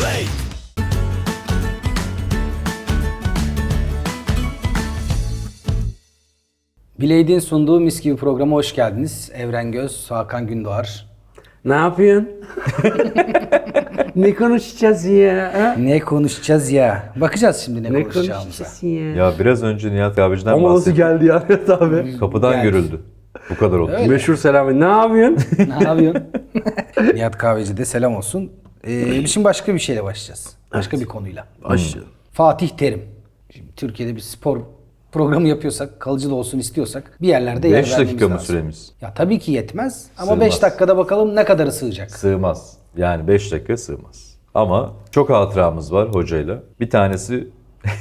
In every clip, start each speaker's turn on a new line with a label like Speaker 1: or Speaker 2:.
Speaker 1: Bileydin sunduğu Mis Gibi programa hoş geldiniz. Evren Göz, Hakan Gündoğar.
Speaker 2: Ne yapıyorsun? Ne konuşacağız ya? Ha?
Speaker 1: Ne konuşacağız ya? Bakacağız şimdi ne konuşacağımıza.
Speaker 2: konuşacağız ya?
Speaker 3: Ya biraz önce Nihat abiciden
Speaker 2: Ama nasıl
Speaker 3: bahsettim.
Speaker 2: geldi ya Nihat abi?
Speaker 3: Kapıdan
Speaker 1: Geldi.
Speaker 3: görüldü. Bu kadar oldu.
Speaker 1: Öyle.
Speaker 2: Meşhur selamı. Ne yapıyorsun?
Speaker 1: Ne yapıyorsun? Nihat Kahveci'de selam olsun. Şimdi başka bir şeyle başlayacağız. Başka bir konuyla.
Speaker 2: Başlayalım.
Speaker 1: Fatih Terim. Şimdi Türkiye'de bir spor programı yapıyorsak, kalıcı da olsun istiyorsak bir yerlerde yer
Speaker 3: 5
Speaker 1: vermemiz
Speaker 3: dakika mı
Speaker 1: lazım.
Speaker 3: süremiz?
Speaker 1: Ya tabii ki yetmez ama
Speaker 3: Sığmaz.
Speaker 1: 5 dakikada bakalım ne kadarı sığacak.
Speaker 3: Sığmaz. Yani 5 dakika sığmaz. Ama çok hatıramız var hocayla. Bir tanesi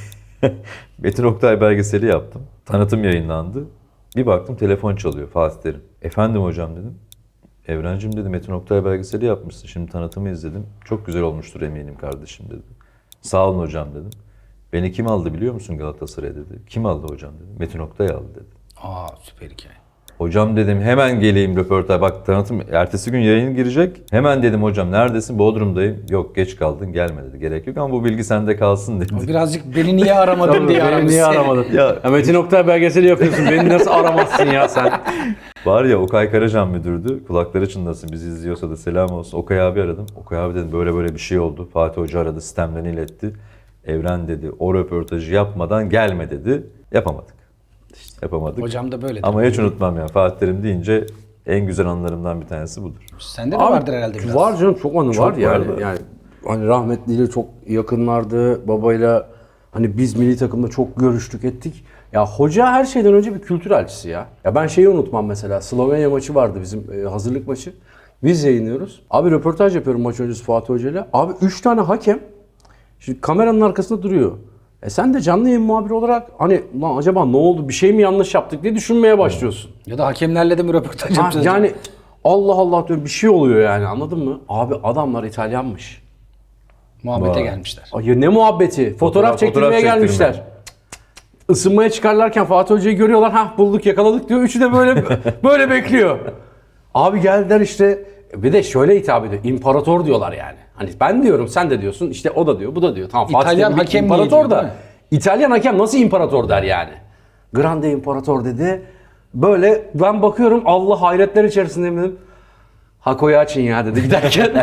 Speaker 3: Metin Oktay belgeseli yaptım. Tanıtım yayınlandı. Bir baktım telefon çalıyor Fatih Terim. Efendim hocam dedim. Evrencim dedi Metin Oktay belgeseli yapmışsın. Şimdi tanıtımı izledim. Çok güzel olmuştur eminim kardeşim dedi. Sağ olun hocam dedim. Beni kim aldı biliyor musun Galatasaray'a dedi. Kim aldı hocam dedim. Metin Oktay aldı dedi.
Speaker 1: Aa süper hikaye.
Speaker 3: Hocam dedim hemen geleyim röportaj. Bak tanıtım ertesi gün yayın girecek. Hemen dedim hocam neredesin? Bodrum'dayım. Yok geç kaldın gelme dedi. Gerek yok ama bu bilgi sende kalsın dedi.
Speaker 1: Birazcık beni niye aramadın
Speaker 2: Tabii,
Speaker 1: diye
Speaker 2: beni
Speaker 1: aramış
Speaker 2: niye
Speaker 1: seni.
Speaker 2: aramadın?
Speaker 3: Ya-
Speaker 2: Ya Metin Oktay belgeseli yapıyorsun. Beni nasıl aramazsın ya sen?
Speaker 3: Var ya Okay Karacan müdürdü. Kulakları çınlasın bizi izliyorsa da selam olsun. Okay abi aradım. Okay abi dedim böyle bir şey oldu. Fatih Hoca aradı sistemden iletti. Evren dedi o röportajı yapmadan gelme dedi. Yapamadık. Yapamadık.
Speaker 1: Hocam da böyle.
Speaker 3: Ama hiç unutmam ya Fatih Terim deyince en güzel anılarımdan bir tanesi budur.
Speaker 1: Sende de vardır herhalde biraz.
Speaker 2: Var canım çok anı var yani.
Speaker 3: vardı.
Speaker 2: Yani hani rahmetliyle çok yakınlardı. Babayla hani biz milli takımda çok görüştük ettik. Ya hoca her şeyden önce bir kültür elçisi ya. Ya ben şeyi unutmam mesela. Slovenya maçı vardı bizim hazırlık maçı. Biz yayınlıyoruz. Abi röportaj yapıyorum maç öncesi Fatih Hoca'yla. Abi 3 tane hakem şimdi kameranın arkasında duruyor. Sen de canlı yayın muhabiri olarak hani lan acaba ne oldu bir şey mi yanlış yaptık diye düşünmeye başlıyorsun.
Speaker 1: Ya da hakemlerle de mi röportaj
Speaker 2: Ha,
Speaker 1: yapacağız?
Speaker 2: yani Allah Allah diyorum bir şey oluyor yani anladın mı? Abi adamlar İtalyanmış.
Speaker 1: Muhabbete
Speaker 3: Vay.
Speaker 1: gelmişler.
Speaker 2: Ay ya ne muhabbeti? Fotoğraf çektirmeye
Speaker 3: fotoğraf
Speaker 2: gelmişler.
Speaker 3: çektirme.
Speaker 2: Isınmaya çıkarlarken Fatih Hoca'yı görüyorlar. Hah bulduk yakaladık diyor. Üçü de böyle böyle bekliyor. Abi geldiler işte. Bir de şöyle hitap ediyor. İmparator diyorlar yani. Hani ben diyorum sen de diyorsun. İşte o da diyor bu da diyor. Tamam Fatih
Speaker 1: İtalyan
Speaker 2: Terim bir
Speaker 1: hakem niye
Speaker 2: imparator
Speaker 1: diyor,
Speaker 2: da.
Speaker 1: değil mi?
Speaker 2: İtalyan hakem nasıl imparator der yani. Grande imparator dedi. Böyle ben bakıyorum Allah hayretler içerisindeyim dedim. Hako'yu açın ya dedi giderken.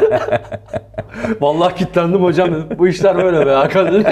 Speaker 2: Vallahi kilitlendim hocam dedim. Bu işler böyle be Hakan dedi.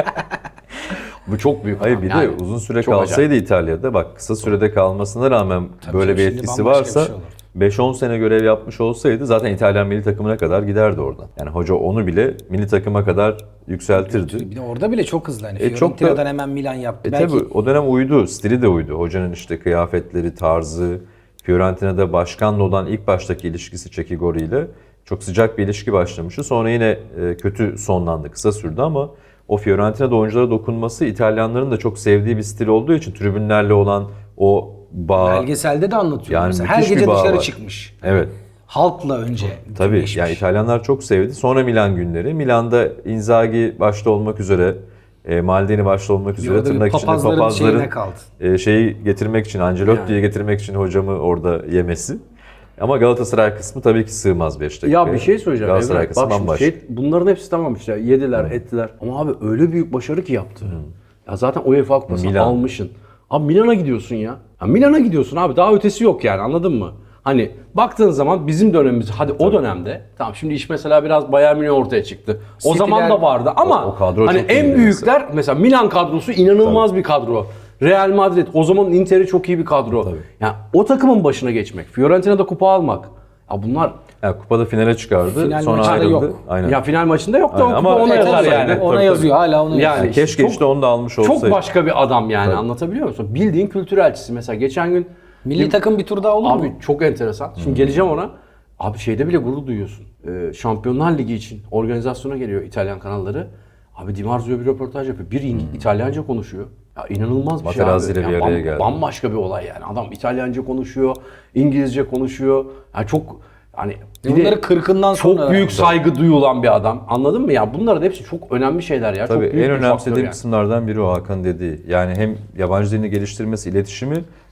Speaker 2: Bu çok büyük.
Speaker 3: Hayır bir
Speaker 2: yani.
Speaker 3: de uzun süre
Speaker 2: Çok
Speaker 3: kalsaydı İtalya'da bak kısa sürede kalmasına rağmen böyle
Speaker 1: canım,
Speaker 3: bir
Speaker 1: şimdi
Speaker 3: etkisi
Speaker 1: bambaşka
Speaker 3: varsa
Speaker 1: bir şey olurdu.
Speaker 3: 5-10 sene görev yapmış olsaydı zaten İtalyan milli takımına kadar giderdi oradan. Yani hoca onu bile milli takıma kadar yükseltirdi.
Speaker 1: Bir de orada bile çok hızlı. Hani
Speaker 3: çok da-
Speaker 1: Fiorentina'dan hemen Milan yaptı. Belki
Speaker 3: Tabii o dönem uydu, stili de uydu. Hocanın işte kıyafetleri, tarzı, Fiorentina'da başkanla olan ilk baştaki ilişkisi Çekigori ile çok sıcak bir ilişki başlamıştı. Sonra yine kötü sonlandı, kısa sürdü ama o Fiorentina'da oyunculara dokunması İtalyanların da çok sevdiği bir stil olduğu için tribünlerle olan o bağ.
Speaker 1: belgeselde de anlatıyor.
Speaker 3: Yani
Speaker 1: Mesela her
Speaker 3: müthiş bir
Speaker 1: gece
Speaker 3: bağ
Speaker 1: dışarı
Speaker 3: var.
Speaker 1: çıkmış.
Speaker 3: Evet.
Speaker 1: Halkla önce
Speaker 3: Tabii
Speaker 1: bütünleşmiş.
Speaker 3: yani İtalyanlar çok sevdi. Sonra Milan günleri. Milan'da Inzaghi başta olmak üzere, Maldini başta olmak üzere
Speaker 1: orada bir
Speaker 3: tırnak içinde
Speaker 1: papazların şeyine kaldı.
Speaker 3: şeyi getirmek için, Ancelotti'yi getirmek için hocamı orada yemesi. Ama Galatasaray kısmı tabii ki sığmaz 5 dakika.
Speaker 2: Ya bir şey söyleyeceğim.
Speaker 3: Galatasaray
Speaker 2: Evren.
Speaker 3: kısmı
Speaker 2: Bak şimdi
Speaker 3: bambaşka.
Speaker 2: bunların hepsi tamam işte. Yediler, ettiler. Ama abi öyle büyük başarı ki yaptı. Ya zaten UEFA Kupası'nı
Speaker 3: Milan.
Speaker 2: almışsın. Abi Milan'a gidiyorsun ya. Ya Milan'a gidiyorsun abi. Daha ötesi yok yani anladın mı? Hani baktığın zaman bizim dönemimiz hadi o dönemde tamam şimdi iş mesela biraz Bayern Münih ortaya çıktı. O
Speaker 1: City'ler-
Speaker 2: zaman da vardı ama
Speaker 3: o kadro
Speaker 2: hani
Speaker 3: çok
Speaker 2: en
Speaker 3: iyiydi
Speaker 2: büyükler mesela Milan kadrosu inanılmaz bir kadro. Real Madrid o zaman Inter'i çok iyi bir kadro. Yani o takımın başına geçmek, Fiorentina'da kupa almak. Ya bunlar
Speaker 3: Yani kupada finale çıkardı.
Speaker 1: Final
Speaker 3: sonra
Speaker 1: maçında
Speaker 3: ayrıldı.
Speaker 1: yok.
Speaker 3: Aynen.
Speaker 2: ya final maçında yok da
Speaker 3: Aynen.
Speaker 2: o
Speaker 3: Ama
Speaker 2: kupa ona
Speaker 3: evet,
Speaker 2: yazar
Speaker 3: olsaydı-
Speaker 2: yani.
Speaker 1: Ona
Speaker 3: Tabii,
Speaker 1: yazıyor hala onu yazıyor.
Speaker 2: Yani
Speaker 3: Keşke
Speaker 2: çok-
Speaker 3: işte onu da almış olsaydı.
Speaker 2: Çok başka bir adam yani
Speaker 3: Tabii.
Speaker 2: anlatabiliyor musun? Bildiğin kültür elçisi. Mesela geçen gün
Speaker 1: Milli takım bir tur daha olur
Speaker 2: abi
Speaker 1: mu?
Speaker 2: çok enteresan. Şimdi geleceğim ona. Abi şeyde bile gurur duyuyorsun. Şampiyonlar Ligi için organizasyona geliyor İtalyan kanalları. Abi Di Marzio bir röportaj yapıyor. Bir İtalyanca konuşuyor. Ya inanılmaz bir şey
Speaker 3: Materazzi
Speaker 2: abi.
Speaker 3: ile bir
Speaker 2: Yani
Speaker 3: araya geldi.
Speaker 2: Bambaşka bir olay yani. Adam İtalyanca konuşuyor, İngilizce konuşuyor. Yani çok hani bir
Speaker 1: Bunları
Speaker 2: de
Speaker 1: 40'ından sonra
Speaker 2: çok büyük
Speaker 1: öğrenmiş.
Speaker 2: saygı duyulan bir adam. Anladın mı ya? Bunların hepsi çok önemli şeyler ya.
Speaker 3: Tabii
Speaker 2: çok büyük
Speaker 3: en
Speaker 2: bir faktör
Speaker 3: önemsediğim
Speaker 2: yani.
Speaker 3: kısımlardan biri o Hakan dediği. Yani hem yabancı dilini geliştirmesi, iletişimi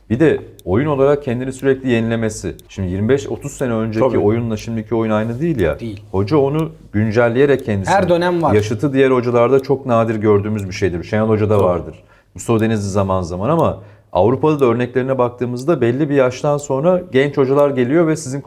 Speaker 3: Bir de oyun olarak kendini sürekli yenilemesi. Şimdi 25-30 sene önceki
Speaker 2: Tabii.
Speaker 3: oyunla şimdiki oyun aynı değil ya.
Speaker 1: Değil.
Speaker 3: Hoca onu güncelleyerek kendisini.
Speaker 1: Her dönem var.
Speaker 3: Yaşıtı diğer hocalarda çok nadir gördüğümüz bir şeydir. Şenol Hoca'da vardır. Mustafa Denizli zaman zaman ama Avrupa'da da örneklerine baktığımızda belli bir yaştan sonra genç hocalar geliyor ve sizin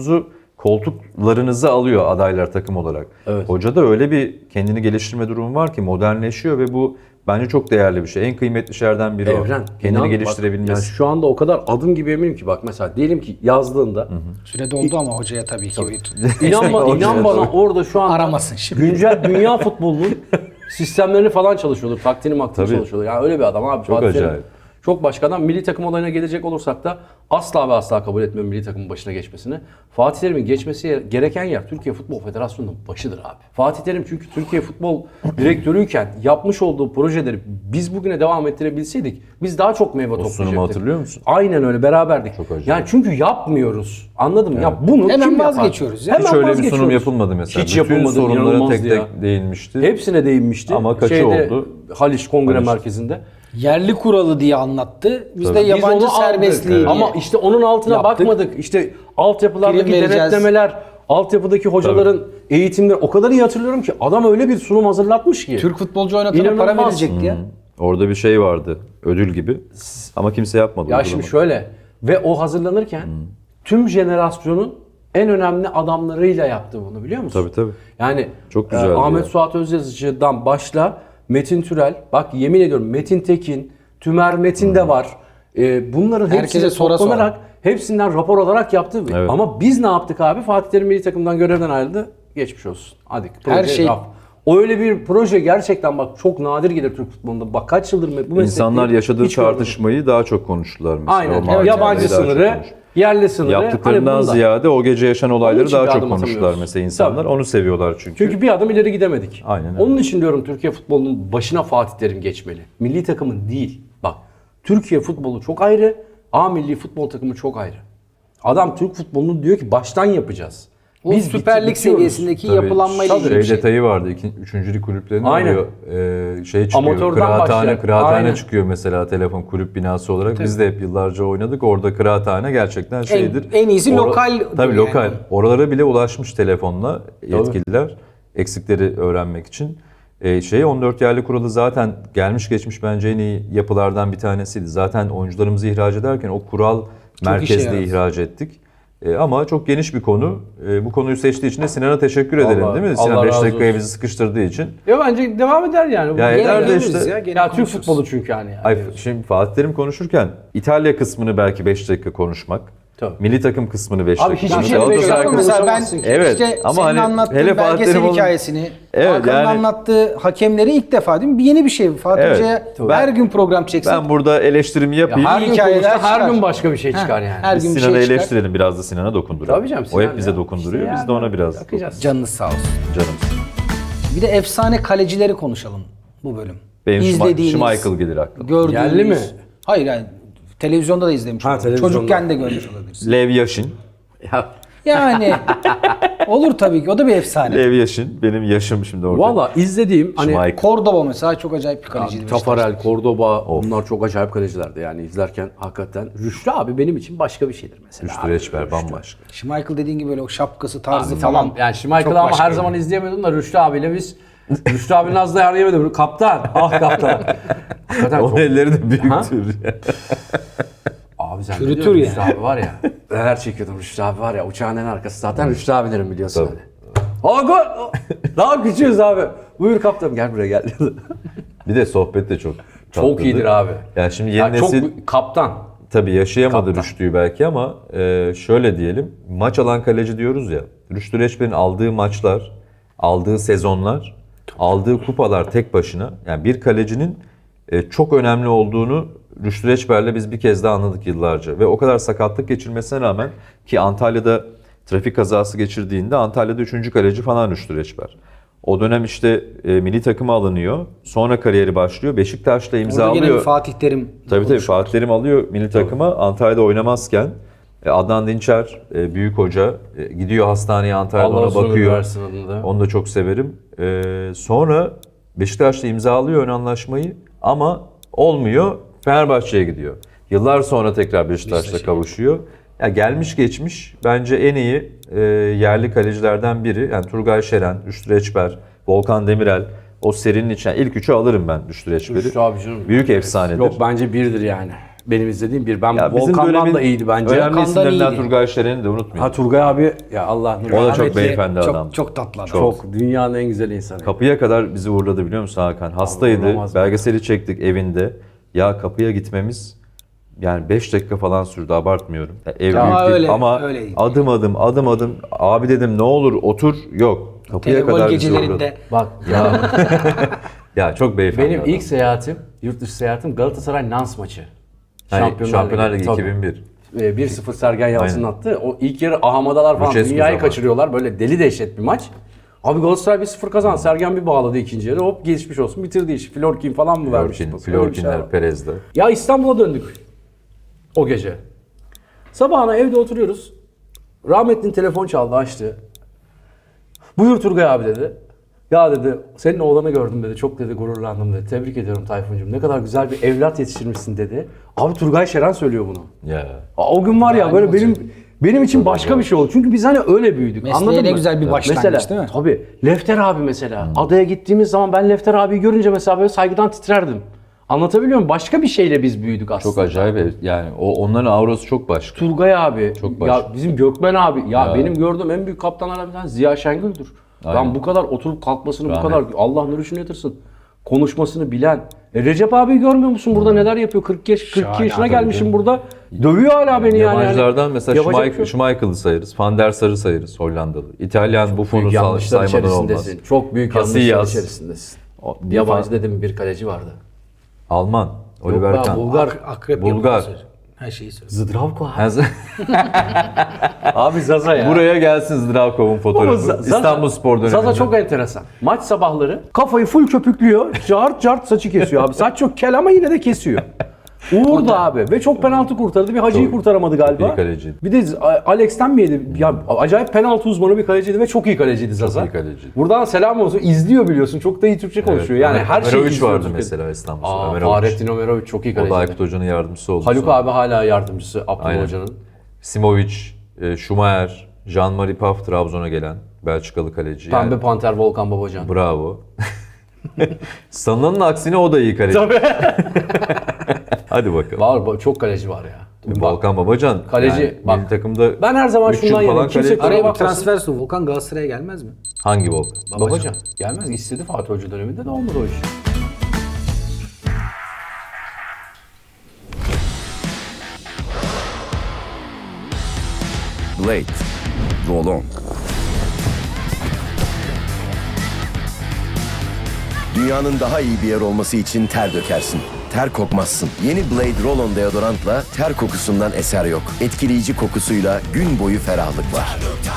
Speaker 3: koltuklarınızı alıyor adaylar takım olarak.
Speaker 2: Evet.
Speaker 3: Hocada öyle bir kendini geliştirme durumu var ki modernleşiyor ve bu bence çok değerli bir şey. En kıymetli şeylerden biri
Speaker 2: Evren.
Speaker 3: o. Kendini
Speaker 2: İnan,
Speaker 3: geliştirebilmesi.
Speaker 2: Bak, yani şu anda o kadar adım gibi eminim ki bak mesela diyelim ki yazdığında
Speaker 1: Süre doldu ama hocaya tabii ki bir
Speaker 2: inan bana orada şu an
Speaker 1: aramasın şimdi.
Speaker 2: güncel dünya futbolunun sistemlerini falan çalışıyordur. Taktiğini maktiğini
Speaker 3: Tabii.
Speaker 2: çalışıyordur. Yani öyle bir adam abi.
Speaker 3: Çok
Speaker 2: Fatih Terim
Speaker 3: acayip.
Speaker 2: Çok başka adam. Milli takım olayına gelecek olursak da asla ve asla kabul etmiyorum milli takımın başına geçmesini. Fatih Terim'in geçmesi gereken yer Türkiye Futbol Federasyonu'nun başıdır abi. Fatih Terim çünkü Türkiye Futbol Direktörüyken yapmış olduğu projeleri biz bugüne devam ettirebilseydik biz daha çok meyve toplayacaktık.
Speaker 3: sunumu hatırlıyor musun?
Speaker 2: Aynen öyle beraberdik.
Speaker 3: Çok acayip.
Speaker 2: Yani çünkü yapmıyoruz. Anladın mı? Ya bunu
Speaker 1: Hemen
Speaker 2: kim yapar?
Speaker 1: vazgeçiyoruz ya.
Speaker 2: Hemen
Speaker 3: Hiç öyle bir
Speaker 2: vazgeçiyoruz.
Speaker 3: sunum yapılmadı mesela.
Speaker 2: Hiç
Speaker 3: Bütün
Speaker 2: yapılmadı.
Speaker 3: sorunlara
Speaker 2: İnanılmazdı
Speaker 3: tek
Speaker 2: ya.
Speaker 3: tek değinmişti.
Speaker 2: Hepsine değinmişti.
Speaker 3: Ama kaçı oldu?
Speaker 2: Haliç Kongre
Speaker 3: Haliç.
Speaker 2: Merkezi'nde.
Speaker 1: Yerli kuralı diye anlattı. Biz
Speaker 3: Tabii.
Speaker 1: de
Speaker 3: Biz
Speaker 1: yabancı
Speaker 2: Biz onu aldık.
Speaker 1: serbestliği diye.
Speaker 2: Ama işte onun altına
Speaker 1: yaptık.
Speaker 2: bakmadık. İşte altyapılardaki
Speaker 1: Prim vereceğiz.
Speaker 2: denetlemeler, altyapıdaki hocaların eğitimleri o kadar iyi hatırlıyorum ki adam öyle bir sunum hazırlatmış ki.
Speaker 1: Türk futbolcu oynatana para
Speaker 2: İnanılmaz.
Speaker 1: verecekti ya.
Speaker 3: Orada bir şey vardı. Ödül gibi. Ama kimse yapmadı.
Speaker 2: Ya
Speaker 3: uygulamadı.
Speaker 2: şimdi şöyle ve o hazırlanırken tüm jenerasyonun en önemli adamlarıyla yaptı bunu biliyor musun?
Speaker 3: Tabii tabii.
Speaker 2: Yani
Speaker 3: Çok güzeldi
Speaker 2: Ahmet
Speaker 3: ya.
Speaker 2: Suat Özyazıcı'dan başla Metin Türel, bak yemin ediyorum Metin Tekin, Tümer Metin de var. Bunların
Speaker 1: Herkese
Speaker 2: hepsini
Speaker 1: sonra
Speaker 2: toplanarak hepsinden rapor alarak yaptı.
Speaker 3: Evet.
Speaker 2: Ama biz ne yaptık abi? Fatih Terim milli takımdan görevden ayrıldı. Geçmiş olsun. Hadi.
Speaker 1: Her
Speaker 2: proje
Speaker 1: şey-
Speaker 2: raf. O öyle bir proje gerçekten bak çok nadir gelir Türk futbolunda. Bak kaç yıldır bu meslekte
Speaker 3: İnsanlar yaşadığı
Speaker 2: hiç görmedim.
Speaker 3: tartışmayı daha çok konuştular mesela.
Speaker 2: Aynen.
Speaker 3: O mahkemeyi
Speaker 2: Yabancı
Speaker 3: daha çok
Speaker 2: sınırı,
Speaker 3: konuştular.
Speaker 2: yerli sınırı.
Speaker 3: Yaptıklarından
Speaker 2: hani bunu da.
Speaker 3: ziyade o gece yaşanan
Speaker 2: Onun
Speaker 3: olayları
Speaker 2: için
Speaker 3: daha
Speaker 2: bir
Speaker 3: çok
Speaker 2: adım
Speaker 3: konuştular
Speaker 2: atamıyoruz.
Speaker 3: mesela insanlar.
Speaker 2: Tabii.
Speaker 3: Onu seviyorlar çünkü.
Speaker 2: Çünkü bir adım ileri gidemedik.
Speaker 3: Aynen öyle.
Speaker 2: Onun için diyorum Türkiye futbolunun başına Fatih Terim geçmeli. Milli takımın değil. Bak Türkiye futbolu çok ayrı. A milli futbol takımı çok ayrı. Adam Türk futbolunu diyor ki baştan yapacağız.
Speaker 1: O Süper Lig
Speaker 2: bitiyoruz.
Speaker 1: seviyesindeki
Speaker 3: Tabii,
Speaker 1: yapılanmayla ilgili bir şey.
Speaker 3: detayı vardı. Üçüncülük kulüplerinde
Speaker 2: Aynen.
Speaker 3: oluyor. Şey çıkıyor.
Speaker 2: Amatörden başlayarak.
Speaker 3: Kıraathane
Speaker 2: Aynen.
Speaker 3: çıkıyor mesela telefon kulüp binası olarak. Biz de hep yıllarca oynadık. Orada kıraathane gerçekten şeydir.
Speaker 1: en iyisi lokal
Speaker 3: Tabii
Speaker 1: yani.
Speaker 3: lokal. Oralara bile ulaşmış telefonla yetkililer. Eksikleri öğrenmek için. 14 yerli kuralı zaten gelmiş geçmiş bence en iyi yapılardan bir tanesiydi. Zaten oyuncularımızı ihraç ederken o kural
Speaker 1: işe
Speaker 3: merkezli
Speaker 1: yaradı.
Speaker 3: ihraç ettik. Ama çok geniş bir konu. Bu konuyu seçtiği için de Sinan'a teşekkür edelim
Speaker 2: Vallahi,
Speaker 3: değil mi?
Speaker 2: Allah
Speaker 3: Sinan 5
Speaker 2: razı
Speaker 3: dakikaya
Speaker 2: olsun.
Speaker 3: bizi sıkıştırdığı için.
Speaker 2: Ya bence devam eder yani.
Speaker 3: Ya
Speaker 2: Gene
Speaker 3: eder de
Speaker 2: geliriz
Speaker 3: işte-
Speaker 2: ya,
Speaker 1: gene
Speaker 2: Türk
Speaker 1: konuşuruz.
Speaker 2: futbolu çünkü yani.
Speaker 3: Şimdi Fatih Terim konuşurken İtalya kısmını belki 5 dakika konuşmak.
Speaker 2: Tabii.
Speaker 3: Milli takım kısmını 5
Speaker 2: Abi
Speaker 3: dakika.
Speaker 2: hiçbir
Speaker 3: konuşmak.
Speaker 2: şey
Speaker 3: Galatasaray
Speaker 2: beş dakika
Speaker 3: kısmı-
Speaker 1: Mesela ben
Speaker 2: konuşamazsın ki.
Speaker 3: Evet,
Speaker 1: işte
Speaker 3: ama
Speaker 1: senin
Speaker 3: hani
Speaker 1: anlattığın
Speaker 3: hele Fatih
Speaker 1: belgesel
Speaker 3: Terim olun-
Speaker 1: hikayesini,
Speaker 3: Evet,
Speaker 1: Hakan'ın
Speaker 3: yani-
Speaker 1: anlattığı hakemleri ilk defa değil mi? Bir yeni bir şey. Fatih
Speaker 3: Evet.
Speaker 1: Hoca'ya
Speaker 3: Tabii.
Speaker 1: her gün program çeksek.
Speaker 3: Ben burada eleştirimi yapayım.
Speaker 2: Her gün
Speaker 1: hikayeler
Speaker 2: konuşsa her
Speaker 1: çıkar.
Speaker 2: gün başka bir şey çıkar
Speaker 1: Heh,
Speaker 2: yani.
Speaker 1: her gün bir
Speaker 3: Sinan'ı
Speaker 1: şey çıkar.
Speaker 3: eleştirelim biraz da Sinan'a dokunduralım.
Speaker 2: Tabii canım,
Speaker 3: O
Speaker 2: Sinan
Speaker 3: hep bize
Speaker 2: ya.
Speaker 3: dokunduruyor.
Speaker 2: İşte
Speaker 3: Biz de
Speaker 2: yani
Speaker 3: ona biraz
Speaker 2: bakacağız.
Speaker 1: Canınız sağ olsun.
Speaker 3: canımız.
Speaker 1: Bir de efsane kalecileri konuşalım bu bölüm.
Speaker 3: Benim
Speaker 1: İzlediğiniz,
Speaker 3: Schmeichel gelir aklıma.
Speaker 1: gördüğünüz.
Speaker 2: Yerli mi?
Speaker 1: Hayır yani televizyonda da izlemiş.
Speaker 2: Ha,
Speaker 1: olabilir.
Speaker 2: televizyonda.
Speaker 1: Çocukken de görmüş olabilirsin.
Speaker 3: Lev Yashin.
Speaker 2: Ya,
Speaker 1: Yani olur tabii ki. O da bir efsane.
Speaker 3: Lev Yashin. Benim yaşım şimdi orada.
Speaker 2: valla izlediğim hani
Speaker 3: Schmeichel.
Speaker 1: Cordoba mesela çok acayip bir kaleciydi.
Speaker 2: Tafarel, Cordoba onlar çok acayip kalecilerdi yani izlerken hakikaten. Rüştü abi benim için başka bir şeydir mesela.
Speaker 3: Rüştü
Speaker 2: abi.
Speaker 3: Reçber bambaşka.
Speaker 1: Schmeichel dediğin gibi böyle o şapkası tarzı
Speaker 2: Abi
Speaker 1: falan.
Speaker 2: tamam yani
Speaker 1: Çok
Speaker 2: Schmeichel'ı ama her
Speaker 1: başkaydı.
Speaker 2: zaman izleyemiyordum da Rüştü abiyle biz Rüştü abinin az da yemedim. Kaptan. Ah kaptan. Hakikaten
Speaker 3: O
Speaker 2: çok...
Speaker 3: elleri de büyüktür.
Speaker 2: Abi sen
Speaker 1: Çürütür
Speaker 2: biliyor musun
Speaker 1: yani.
Speaker 2: Rüştü abi var ya. Neler çekiyordum Rüştü abi var ya. Uçağın en arkası zaten Rüştü abilerin biliyorsun
Speaker 3: Tabii.
Speaker 2: hani. Aa gol! Daha küçüğüz abi. Buyur kaptan gel buraya gel.
Speaker 3: Bir de sohbet de çok
Speaker 2: Çok
Speaker 3: tatlıdır.
Speaker 2: iyidir abi.
Speaker 3: Yani şimdi yeni
Speaker 2: Yani çok
Speaker 3: nesil
Speaker 2: kaptan.
Speaker 3: tabii yaşayamadı
Speaker 2: Kaptan.
Speaker 3: Rüştü'yü belki ama şöyle diyelim. Maç alan kaleci diyoruz ya. Rüştü Reçber'in aldığı maçlar, aldığı sezonlar, aldığı kupalar tek başına. Yani bir kalecinin çok önemli olduğunu Rüştü Reçber'le biz bir kez daha anladık yıllarca. Ve o kadar sakatlık geçirmesine rağmen ki Antalya'da trafik kazası geçirdiğinde Antalya'da 3. kaleci falan Rüştü Reçber. O dönem işte milli takıma alınıyor. Sonra kariyeri başlıyor. Beşiktaş'ta
Speaker 1: Orada
Speaker 3: imzalıyor.
Speaker 1: yine bir Fatih Terim.
Speaker 3: Tabii Fatih Terim alıyor milli takıma. Antalya'da oynamazken Adnan Dinçer büyük hoca gidiyor hastaneye Antalya'da
Speaker 2: Allah
Speaker 3: ona
Speaker 2: uzun ömür
Speaker 3: bakıyor.
Speaker 2: versin adında.
Speaker 3: Onu da çok severim. Sonra Beşiktaş'ta imzalıyor ön anlaşmayı ama olmuyor. Fenerbahçe'ye gidiyor. Yıllar sonra tekrar Beşiktaş'la kavuşuyor. Ya gelmiş geçmiş bence en iyi yerli kalecilerden biri. Yani Turgay Şeren, Rüştü Reçber, Volkan Demirel. O serinin içine ilk üçü alırım ben Rüştü Reçber'i.
Speaker 2: Rüştü abi canım.
Speaker 3: Büyük efsanedir.
Speaker 2: Yok bence birdir yani. Benim izlediğim bir. Ben
Speaker 3: Ya bizim
Speaker 2: Volkan'dan
Speaker 3: dönemin
Speaker 2: da iyiydi bence.
Speaker 3: önemli
Speaker 1: Volkan'dan
Speaker 3: isimlerinden
Speaker 1: iyiydi.
Speaker 3: Turgay Şeren'i de unutmayın.
Speaker 2: Ha Turgay abi ya Allah
Speaker 3: O da çok
Speaker 1: Rahmetli,
Speaker 3: beyefendi adam.
Speaker 1: Çok tatlı adam.
Speaker 2: çok dünyanın en güzel insanı.
Speaker 3: Kapıya kadar bizi uğurladı biliyor musun Hakan? Hastaydı.
Speaker 2: uğramaz mı?
Speaker 3: Belgeseli çektik evinde. Ya kapıya gitmemiz yani 5 dakika falan sürdü, abartmıyorum. Ya ev büyük değil
Speaker 1: öyle,
Speaker 3: ama
Speaker 1: öyleydi.
Speaker 3: adım adım abi dedim ne olur otur, yok. Kapıya
Speaker 1: Telefon
Speaker 3: kadar bizi uğurladı.
Speaker 1: gecelerinde
Speaker 2: Bak ya
Speaker 3: Ya çok beyefendi
Speaker 2: benim
Speaker 3: adam.
Speaker 2: ilk seyahatim, yurt dışı seyahatim Galatasaray Nans maçı.
Speaker 3: Şampiyonlar Ligi
Speaker 2: Tabii.
Speaker 3: 2001.
Speaker 2: 1-0 Sergen Yalçın'ın
Speaker 3: Aynen.
Speaker 2: attı. O ilk yarı ahamadalar falan
Speaker 3: Lucescu
Speaker 2: dünyayı
Speaker 3: zamanı.
Speaker 2: kaçırıyorlar. Böyle deli dehşet bir maç. Abi Galatasaray 1-0 kazandı. Sergen bir bağladı ikinci yarı. Hop geçmiş olsun bitirdi işi. Florkin falan mı vermiş? Öyle bir şey
Speaker 3: Florkinler,
Speaker 2: var.
Speaker 3: Perez'de.
Speaker 2: Ya İstanbul'a döndük o gece. Sabahına evde oturuyoruz. Rahmetli'nin telefon çaldı, açtı. Buyur Turgay abi dedi. Ya dedi senin oğlanı gördüm dedi. Çok dedi gururlandım dedi. Tebrik ediyorum Tayfuncuğum. Ne kadar güzel bir evlat yetiştirmişsin dedi. Abi Turgay Şeren söylüyor bunu.
Speaker 3: Ya.
Speaker 2: O gün var ya böyle benim için başka bir şey oldu. Çünkü biz hani öyle büyüdük.
Speaker 1: Mesleğe
Speaker 2: Anladın
Speaker 1: ne
Speaker 2: mı?
Speaker 1: güzel bir başlangıç
Speaker 2: mesela,
Speaker 1: değil mi?
Speaker 2: Tabii. Lefter abi mesela. Adaya gittiğimiz zaman ben Lefter abiyi görünce mesela böyle saygıdan titrerdim. Anlatabiliyor muyum? Başka bir şeyle biz büyüdük aslında.
Speaker 3: Çok acayip yani onların aurası çok başka.
Speaker 2: Turgay abi,
Speaker 3: Çok
Speaker 2: ya
Speaker 3: başka.
Speaker 2: bizim Gökmen abi, ya benim gördüğüm en büyük kaptanlardan bir tanesi Ziya Şengül'dür.
Speaker 3: Aynen.
Speaker 2: Ben bu kadar oturup kalkmasını, bu
Speaker 3: Rahmet.
Speaker 2: kadar Allah nuruşunu yatırsın. Konuşmasını bilen. Recep abi görmüyor musun burada neler yapıyor? 42
Speaker 1: Şahane
Speaker 2: yaşına
Speaker 1: abi,
Speaker 2: gelmişim burada. Dövüyor hala beni yani.
Speaker 3: Yabancılardan mesela
Speaker 2: Yapacak bir şey yok.
Speaker 3: Schmeichel'ı sayarız. Van der Sar'ı sayarız Hollandalı. İtalyan Buffon'u
Speaker 2: Büyük yanlışlar
Speaker 3: saymadan olmaz.
Speaker 2: içerisindesin. Çok büyük yanlışlar
Speaker 3: Casillas.
Speaker 2: içerisindesin.
Speaker 3: Bir
Speaker 2: Yabancı dedim bir kaleci vardı.
Speaker 3: Alman. Oliver
Speaker 2: Yok be,
Speaker 3: Kahn.
Speaker 2: Bulgar.
Speaker 1: Akrep
Speaker 3: Bulgar.
Speaker 1: yapıyor. Her şeyi söylüyor.
Speaker 2: Zdravko abi.
Speaker 3: Ha,
Speaker 2: Abi Zaza ya.
Speaker 3: Buraya gelsin Zdravkov'un fotoğrafı.
Speaker 2: Zaza-
Speaker 3: İstanbul Spor döneminde.
Speaker 2: Zaza çok enteresan. Maç sabahları kafayı full köpüklüyor. Cart cart saçı kesiyor abi. Saç çok kel ama yine de kesiyor. Uğur da abi ve çok penaltı kurtardı. Bir Hacı'yı
Speaker 3: Çok
Speaker 2: kurtaramadı galiba.
Speaker 3: iyi kaleciydi.
Speaker 2: Bir de Alex'ten mi yedi? Ya acayip penaltı uzmanı bir kaleciydi ve çok iyi kaleciydi Zaza.
Speaker 3: iyi kaleciydi.
Speaker 2: Buradan selam olsun. İzliyor biliyorsun. Çok da iyi Türkçe konuşuyor. Yani her şeyi
Speaker 3: Ömerovic
Speaker 2: izliyor
Speaker 3: vardı
Speaker 2: Türkiye'de.
Speaker 3: mesela İstanbul'da.
Speaker 2: Aa,
Speaker 3: Ömerovic.
Speaker 2: Fahrettin Ömerovic çok iyi
Speaker 3: O da
Speaker 2: kaleciydi.
Speaker 3: Aykut Hoca'nın yardımcısı oldu.
Speaker 2: Haluk
Speaker 3: sonra.
Speaker 2: abi hala yardımcısı Abdullah
Speaker 3: Aynen.
Speaker 2: Hoca'nın.
Speaker 3: Simovic, Schumacher, Jean-Marie Paf Trabzon'a gelen Belçikalı kaleci.
Speaker 2: Pembe
Speaker 3: Yani,
Speaker 2: Panter Volkan Babacan.
Speaker 3: bravo. Sanılanın aksine o da iyi kaleci.
Speaker 2: Tabii.
Speaker 3: Hadi bakalım.
Speaker 2: Var çok kaleci var ya.
Speaker 3: Volkan Babacan.
Speaker 2: Kaleci,
Speaker 3: yani
Speaker 2: bak.
Speaker 3: milli takımda
Speaker 2: Ben her zaman
Speaker 3: 3 yıl
Speaker 2: şundan
Speaker 3: falan
Speaker 2: yanayım. Kimse
Speaker 3: kaleci.
Speaker 1: Araya bir
Speaker 2: bakmasın.
Speaker 1: transfer su. Volkan Galatasaray'a gelmez mi?
Speaker 3: Hangi Volkan?
Speaker 2: Babacan. Gelmez. İstedi Fatih Hoca döneminde de olmadı o iş.
Speaker 4: Blade. Roll-on. Dünyanın daha iyi bir yer olması için ter dökersin. Ter kokmazsın. Yeni Blade Roll-On deodorantla ter kokusundan eser yok. Etkileyici kokusuyla gün boyu ferahlık var.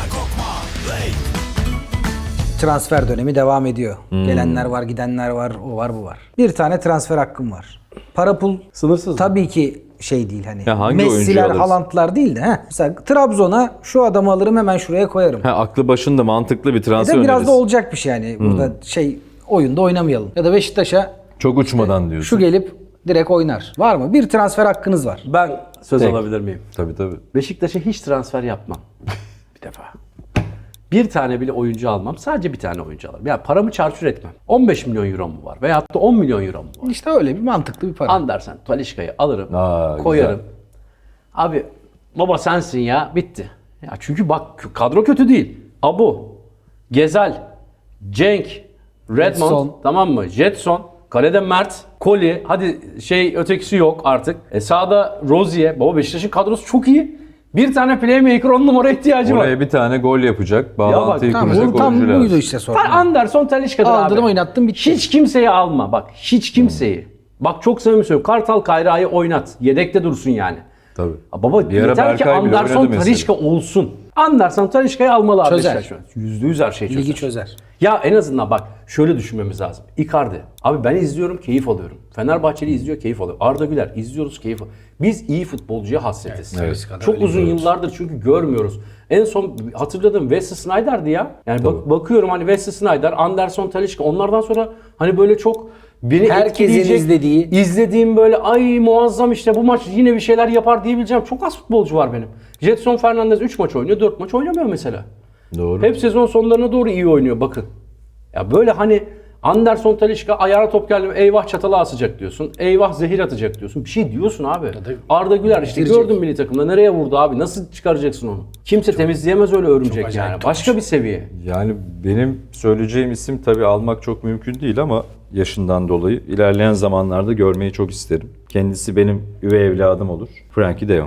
Speaker 1: Transfer dönemi devam ediyor. Gelenler var, gidenler var, o var, bu var. Bir tane transfer hakkım var. Para pul
Speaker 2: Sınırsız.
Speaker 1: tabii ki şey değil hani.
Speaker 3: Ya hangi oyuncuyu
Speaker 1: Messi'ler,
Speaker 3: alırsın?
Speaker 1: Haaland'lar değil de. Mesela Trabzon'a şu adamı alırım hemen şuraya koyarım.
Speaker 3: Ha, aklı başında mantıklı bir transfer
Speaker 1: Ya da biraz
Speaker 3: önerisi.
Speaker 1: da olacak bir şey yani. Burada şey oyunda oynamayalım. Ya da Beşiktaş'a
Speaker 3: Çok uçmadan diyorsun.
Speaker 1: şu gelip direkt oynar. Var mı? Bir transfer hakkınız var.
Speaker 2: Ben söz
Speaker 3: Tek.
Speaker 2: alabilir miyim?
Speaker 3: Tabii tabii.
Speaker 2: Beşiktaş'a hiç transfer yapmam. Bir defa. Bir tane bile oyuncu almam. Sadece bir tane oyuncu alırım. Yani paramı çarçur etmem. 15 milyon euro mu var? Veyahut da 10 milyon euro mu var?
Speaker 1: İşte öyle bir mantıklı bir para.
Speaker 2: Andersen, Talisca'yı alırım.
Speaker 3: Aa,
Speaker 2: koyarım.
Speaker 3: güzel.
Speaker 2: Abi baba sensin ya. Bitti. Ya çünkü bak kadro kötü değil. Abu, Gezel, Cenk, Redmond,
Speaker 1: Jetson.
Speaker 2: tamam mı? Jetson, kalede Mert, Koli, hadi ötekisi yok artık. Sağda Rozier. Baba Beşiktaş'ın kadrosu çok iyi. Bir tane playmaker 10 numara ihtiyacı var.
Speaker 3: Oraya bir tane gol yapacak, bağlantıyı
Speaker 1: Tamam,
Speaker 3: kuracak
Speaker 1: bu tam
Speaker 3: oyuncu
Speaker 1: buydu
Speaker 3: lazım.
Speaker 1: işte sorun.
Speaker 2: Anderson Talisca'dır abi.
Speaker 1: Aldırdım, oynattım, bitti.
Speaker 2: Hiç kimseyi alma. Bak hiç kimseyi. Bak çok samimi söylüyorum. Kartal Kayra'yı oynat. Yedekte dursun yani.
Speaker 3: Tabii.
Speaker 2: Baba
Speaker 3: Bir ara
Speaker 2: yeter ki
Speaker 3: Berkay bile
Speaker 2: Anderson
Speaker 3: oynadı mesela.
Speaker 2: Talişka olsun. Anderson Talişka'yı almalı abi.
Speaker 1: Çözer.
Speaker 2: Beşiktaş şu an. %100 her şeyi çözer.
Speaker 1: Ligi çözer.
Speaker 2: Ya en azından bak şöyle düşünmemiz lazım. Icardi. Abi ben izliyorum keyif alıyorum. Fenerbahçeli izliyor keyif alıyor. Arda Güler izliyoruz keyif alıyor. Biz iyi futbolcuya hasretiz.
Speaker 3: Evet.
Speaker 2: Çok uzun yıllardır çünkü görmüyoruz. En son hatırladığım Wesley Sneijder'di ya. Yani bakıyorum hani Wesley Sneijder, Anderson Talisca onlardan sonra hani böyle çok beni
Speaker 1: Herkesin
Speaker 2: etkileyecek, izlediğim böyle ay muazzam işte bu maç yine bir şeyler yapar diyebileceğim çok az futbolcu var benim. Jetson Fernandez 3 maç oynuyor, 4 maç oynamıyor mesela.
Speaker 3: Doğru.
Speaker 2: Hep sezon sonlarına doğru iyi oynuyor bakın. Ya böyle hani Anderson Talisca ayağına top geldi mi eyvah çatala asacak diyorsun. Eyvah zehir atacak diyorsun. Bir şey diyorsun abi. Arda Güler işte gördün milli takımda nereye vurdu abi? Nasıl çıkaracaksın onu? Kimse temizleyemez öyle örümcek yani. Başka bir seviye.
Speaker 3: Yani benim söyleyeceğim isim tabii almak çok mümkün değil ama yaşından dolayı ilerleyen zamanlarda görmeyi çok isterim. Kendisi benim üvey evladım olur. Frankie de Jong.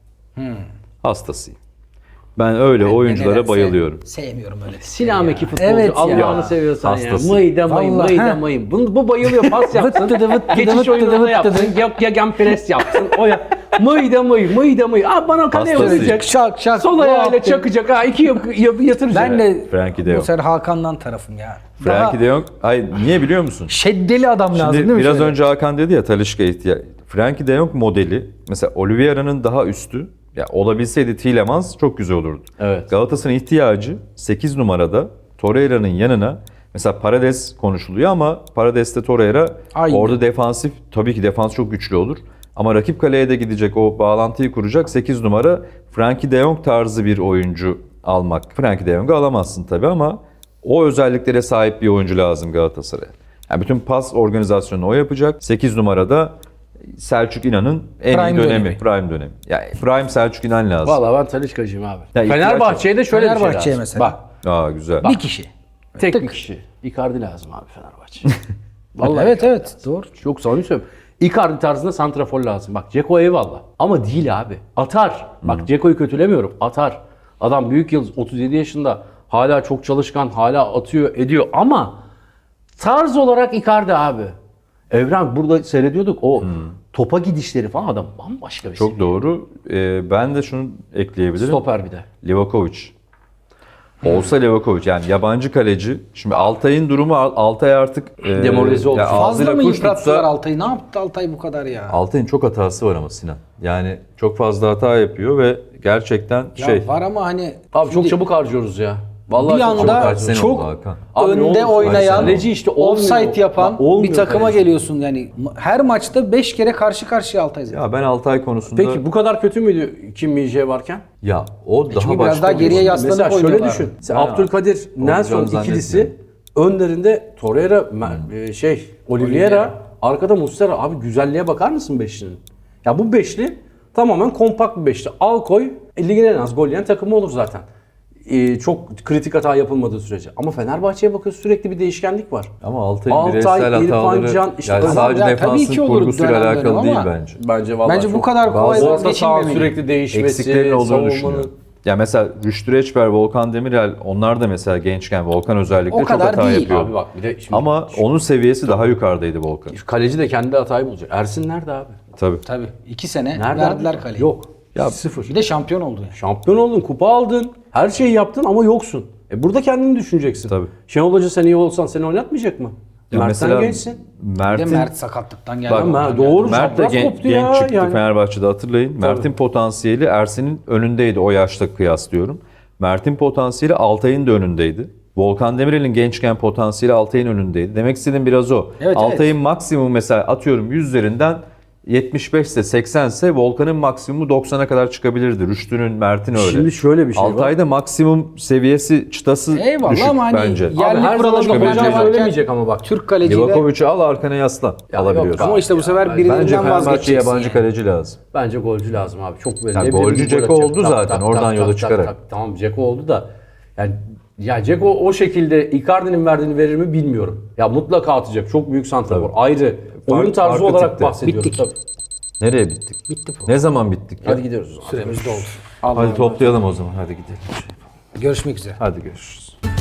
Speaker 3: Hastasıyım. Ben öyle oyunculara
Speaker 1: nedense
Speaker 3: bayılıyorum.
Speaker 1: Sevmiyorum öyle.
Speaker 2: Silameki futbolcu
Speaker 1: Evet ya.
Speaker 2: Allah'ını seviyorsan
Speaker 3: Hastası.
Speaker 2: ya. Mıyda mayım,
Speaker 1: Vallahi,
Speaker 2: mıyda
Speaker 1: ha.
Speaker 2: mayım. Bu bayılıyor pas yapsın.
Speaker 1: Vıt dıdı vıt dıdı
Speaker 2: Geçiş
Speaker 1: vıt dıdı
Speaker 2: oyununda
Speaker 1: vıt
Speaker 2: yapsın. Gegen pres yapsın. O ya. Mıyda mayım, mıyda mayım. Aa bana kaleye
Speaker 3: Hastası.
Speaker 2: vuracak.
Speaker 1: Şak şak.
Speaker 2: Sol
Speaker 1: bu
Speaker 2: ayağıyla
Speaker 1: yaptı.
Speaker 2: çakacak. Ha iki yapı yatıracak.
Speaker 1: Ben de
Speaker 3: Frankie de
Speaker 1: bu
Speaker 3: Jong.
Speaker 1: sefer Hakan'dan tarafım ya.
Speaker 3: Frankie de Jong, ay niye biliyor musun?
Speaker 1: Şeddeli adam lazım değil
Speaker 3: Şimdi
Speaker 1: mi?
Speaker 3: biraz
Speaker 1: şöyle?
Speaker 3: önce Hakan dedi ya Talisca ihtiyaç. Frankie de Jong modeli mesela Oliveira'nın daha üstü. Ya olabilseydi Tielemans çok güzel olurdu.
Speaker 2: Evet.
Speaker 3: Galatasaray'ın ihtiyacı 8 numarada Torreira'nın yanına mesela Paredes konuşuluyor ama Paredes'te Torreira
Speaker 1: Aynı.
Speaker 3: orada defansif tabii ki defans çok güçlü olur. Ama rakip kaleye de gidecek o bağlantıyı kuracak 8 numara Frankie de Jong tarzı bir oyuncu almak. Frankie de Jong'u alamazsın tabii ama o özelliklere sahip bir oyuncu lazım Galatasaray'a. Yani bütün pas organizasyonunu o yapacak. 8 numarada Selçuk İnan'ın en
Speaker 1: Prime
Speaker 3: iyi dönemi,
Speaker 1: dönemi.
Speaker 3: prime dönemi. Yani prime Selçuk İnan lazım.
Speaker 2: Valla ben Talisca'cıyım abi.
Speaker 3: Ya ihtiyaç
Speaker 2: Fenerbahçe'ye de şöyle bir şey
Speaker 1: Fenerbahçe'ye
Speaker 2: lazım.
Speaker 1: mesela.
Speaker 2: Bak
Speaker 3: Aa güzel.
Speaker 1: Bir kişi.
Speaker 2: tek
Speaker 1: Tık.
Speaker 2: bir kişi. Icardi lazım abi Fenerbahçe. Vallahi
Speaker 1: Evet evet doğru.
Speaker 2: Çok samimi söylüyorum. Icardi tarzında santrafor lazım. Bak Dzeko eyvallah. Ama değil abi. Atar. Bak Dzeko'yu kötülemiyorum. Atar. Adam büyük yıldız. 37 yaşında. Hala çok çalışkan. Hala atıyor ediyor. Ama tarz olarak Icardi abi. Evren burada seyrediyorduk. O topa gidişleri falan adam bambaşka bir
Speaker 3: Çok
Speaker 2: seviye.
Speaker 3: doğru. Ben de şunu ekleyebilirim.
Speaker 2: Stoper bir de.
Speaker 3: Livakovic. Olsa Livakovic yani yabancı kaleci. Şimdi Altay'ın durumu Altay artık
Speaker 2: Demoralize oldu.
Speaker 3: ya
Speaker 1: Fazla
Speaker 3: ağzıyla
Speaker 1: mı
Speaker 3: kuş
Speaker 1: yıprattılar
Speaker 3: tutsa
Speaker 1: Altay'ı? Ne yaptı Altay bu kadar ya?
Speaker 3: Altay'ın çok hatası var ama Sinan. Yani çok fazla hata yapıyor ve gerçekten
Speaker 1: Ya var ama hani
Speaker 2: Abi çok
Speaker 1: şimdi
Speaker 2: çabuk harcıyoruz ya. Vallahi
Speaker 1: bir
Speaker 2: çok çabuk
Speaker 1: anda
Speaker 3: Kaç
Speaker 2: harcıyoruz.
Speaker 3: sene
Speaker 1: çok
Speaker 3: oldu Hakan?
Speaker 2: Abi ne
Speaker 1: önde
Speaker 2: olursa
Speaker 1: oynayan,
Speaker 2: kaleci işte olmuyor.
Speaker 1: offside yapan
Speaker 2: Bak, olmuyor
Speaker 1: bir takıma
Speaker 2: kaleci.
Speaker 1: geliyorsun yani. Her maçta 5 kere karşı karşıya Altay zaten.
Speaker 3: Ya ben Altay konusunda
Speaker 2: Peki bu kadar kötü müydü Kim Min-jae varken?
Speaker 3: ya o daha
Speaker 1: çünkü
Speaker 3: başka
Speaker 1: biraz daha
Speaker 3: bir
Speaker 1: geriye
Speaker 3: oyuncu.
Speaker 1: yaslanıp
Speaker 2: Mesela şöyle
Speaker 1: oynuyorlar.
Speaker 2: düşün. Sen
Speaker 3: Ha.
Speaker 2: Abdülkadir, Nelson
Speaker 3: Olacağını
Speaker 2: ikilisi önlerinde Torreira, Oliveira, arkada Muslera. Abi güzelliğe bakar mısın beşlinin? Ya bu beşli tamamen kompakt bir beşli. Al koy, ligin en az gol yiyen takımı olur zaten. Çok kritik hata yapılmadığı sürece. Ama Fenerbahçe'ye bakıyorsun sürekli bir değişkenlik var.
Speaker 3: Ama Altay'ın
Speaker 2: Altay,
Speaker 3: bireysel
Speaker 2: İrfan
Speaker 3: hataları
Speaker 2: Can, işte
Speaker 3: yani
Speaker 2: adam-
Speaker 3: sadece
Speaker 1: Ya tabii
Speaker 3: defansın
Speaker 1: ki olur
Speaker 3: kurgusuyla
Speaker 1: dönem
Speaker 3: alakalı
Speaker 1: dönem
Speaker 3: değil
Speaker 1: ama
Speaker 3: bence.
Speaker 2: Bence vallahi
Speaker 1: Bence bu
Speaker 2: çok-
Speaker 1: kadar kolay
Speaker 3: bazı
Speaker 2: orta saha
Speaker 1: vazgeçilmemeli.
Speaker 2: sürekli değişmesi,
Speaker 3: eksiklerin olduğunu
Speaker 2: savunmanın-
Speaker 3: düşünüyorum. Ya mesela Rüştü Reçber, Volkan Demirel onlar da mesela gençken Volkan özellikle
Speaker 1: O
Speaker 3: çok
Speaker 1: kadar
Speaker 3: hata
Speaker 1: değil.
Speaker 3: yapıyor.
Speaker 2: Abi bak bir de şimdi
Speaker 3: Ama onun seviyesi daha yukarıdaydı Volkan.
Speaker 2: kaleci de kendi hatayı bulacak. Ersin nerede abi?
Speaker 3: Tabii.
Speaker 1: Tabii 2 sene
Speaker 2: Nerede
Speaker 1: verdiler
Speaker 2: abi?
Speaker 1: kaleyi.
Speaker 2: Yok.
Speaker 3: Ya
Speaker 2: Sıfır.
Speaker 1: Bir de şampiyon oldu yani.
Speaker 2: Şampiyon oldun, kupa aldın, her şeyi yaptın ama yoksun. Burada kendini düşüneceksin.
Speaker 3: Tabii.
Speaker 2: Şenol Hoca sen iyi olsan seni oynatmayacak mı?
Speaker 3: Ya
Speaker 2: Mert'ten
Speaker 3: mesela
Speaker 2: gençsin.
Speaker 1: Bir de
Speaker 3: Mert'in
Speaker 1: Mert sakatlıktan geldi.
Speaker 3: Bak,
Speaker 1: Ondan
Speaker 2: doğru.
Speaker 1: geldi.
Speaker 3: Mert de
Speaker 2: Çapraz koptu
Speaker 3: genç
Speaker 2: ya
Speaker 3: çıktı
Speaker 2: yani.
Speaker 3: Fenerbahçe'de hatırlayın. Mert'in potansiyeli Ersin'in önündeydi o yaşta kıyaslıyorum. Mert'in potansiyeli Altay'ın da önündeydi. Volkan Demirel'in gençken potansiyeli Altay'ın önündeydi. Demek istediğim biraz o.
Speaker 1: Evet,
Speaker 3: Altay'ın maksimum mesela atıyorum 100 üzerinden 75 ise 80 ise Volkan'ın maksimumu 90'a kadar çıkabilirdi. Rüştü'nün, Mert'in öyle.
Speaker 2: Şimdi şöyle bir şey var.
Speaker 3: Altay'da maksimum seviyesi çıtası
Speaker 1: Eyvallah
Speaker 3: düşük
Speaker 1: ama hani
Speaker 3: bence.
Speaker 1: ya-
Speaker 2: Abi
Speaker 1: Yerli
Speaker 2: her
Speaker 1: kuralı
Speaker 2: zaman
Speaker 1: bir
Speaker 2: hocam
Speaker 1: hoca
Speaker 2: söylemeyecek ama bak.
Speaker 1: Türk kaleciyle.
Speaker 3: Livakovic'i al arkana yaslan. Alabiliyorsun.
Speaker 1: Ama işte bu sefer
Speaker 3: Bence
Speaker 1: birilerinden
Speaker 3: Fenerbahçe'ye
Speaker 1: vazgeçeceksin.
Speaker 3: yabancı
Speaker 1: yani.
Speaker 3: kaleci lazım.
Speaker 2: Bence golcü lazım abi. Çok belli.
Speaker 3: Ya
Speaker 2: Ne bileyim,
Speaker 3: golcü
Speaker 2: bir gol
Speaker 3: Dzeko
Speaker 2: atacak.
Speaker 3: oldu zaten, oradan yola çıkarak.
Speaker 2: Tamam Dzeko oldu da. Yani ya Dzeko o şekilde Icardi'nin verdiğini verir mi bilmiyorum. Ya mutlaka atacak. Çok büyük santrafor. Ayrı. Oyun tarzı
Speaker 3: farklı
Speaker 2: olarak
Speaker 3: tipte.
Speaker 2: bahsediyoruz.
Speaker 1: Bittik.
Speaker 2: Tabii.
Speaker 3: Nereye bittik?
Speaker 1: Bitti bu.
Speaker 3: Ne zaman bittik ya?
Speaker 2: Hadi gidiyoruz o zaman.
Speaker 1: Süremiz doldu.
Speaker 3: Hadi toplayalım o zaman. Hadi gidelim.
Speaker 1: Görüşmek üzere.
Speaker 3: Hadi görüşürüz.